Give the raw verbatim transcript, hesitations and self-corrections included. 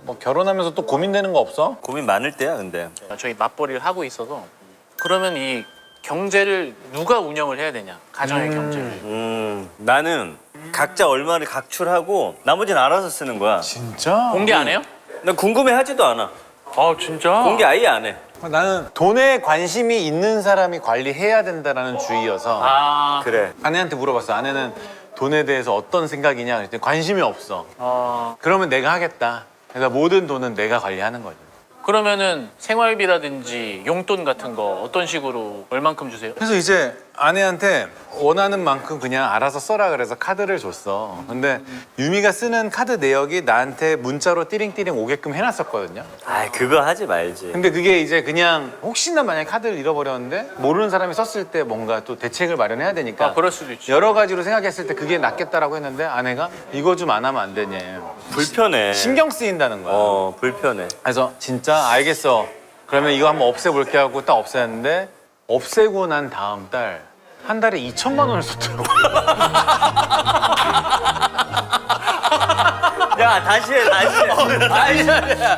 뭐 결혼하면서 또 고민되는 거 없어? 고민 많을 때야 근데. 저희 맞벌이를 하고 있어서 그러면 이 경제를 누가 운영을 해야 되냐? 가정의 경제를. 음 나는 각자 얼마를 각출하고 나머지는 알아서 쓰는 거야. 진짜? 공개 안 해요? 난 궁금해하지도 않아. 아 진짜? 공개 아예 안 해. 나는 돈에 관심이 있는 사람이 관리해야 된다라는 주의여서 아, 그래. 아내한테 물어봤어. 아내는 돈에 대해서 어떤 생각이냐 그랬더니 관심이 없어. 어, 그러면 내가 하겠다. 그래서 모든 돈은 내가 관리하는 거지. 그러면은 생활비라든지 용돈 같은 거 어떤 식으로 얼만큼 주세요? 그래서 이제 아내한테 원하는 만큼 그냥 알아서 써라 그래서 카드를 줬어. 근데 유미가 쓰는 카드 내역이 나한테 문자로 띠링띠링 오게끔 해놨었거든요. 아 그거 하지 말지. 근데 그게 이제 그냥 혹시나 만약에 카드를 잃어버렸는데 모르는 사람이 썼을 때 뭔가 또 대책을 마련해야 되니까 아, 그럴 수도 있죠. 여러 가지로 생각했을 때 그게 낫겠다라고 했는데 아내가 이거 좀 안 하면 안 되냐. 불편해. 신경 쓰인다는 거야. 어 불편해. 그래서 진짜 알겠어. 그러면 이거 한번 없애볼게 하고 딱 없애는데 없애고 난 다음 달 한 달에 이천만 원을 썼더라고. 야 다시 해 다시 해. 다시 해.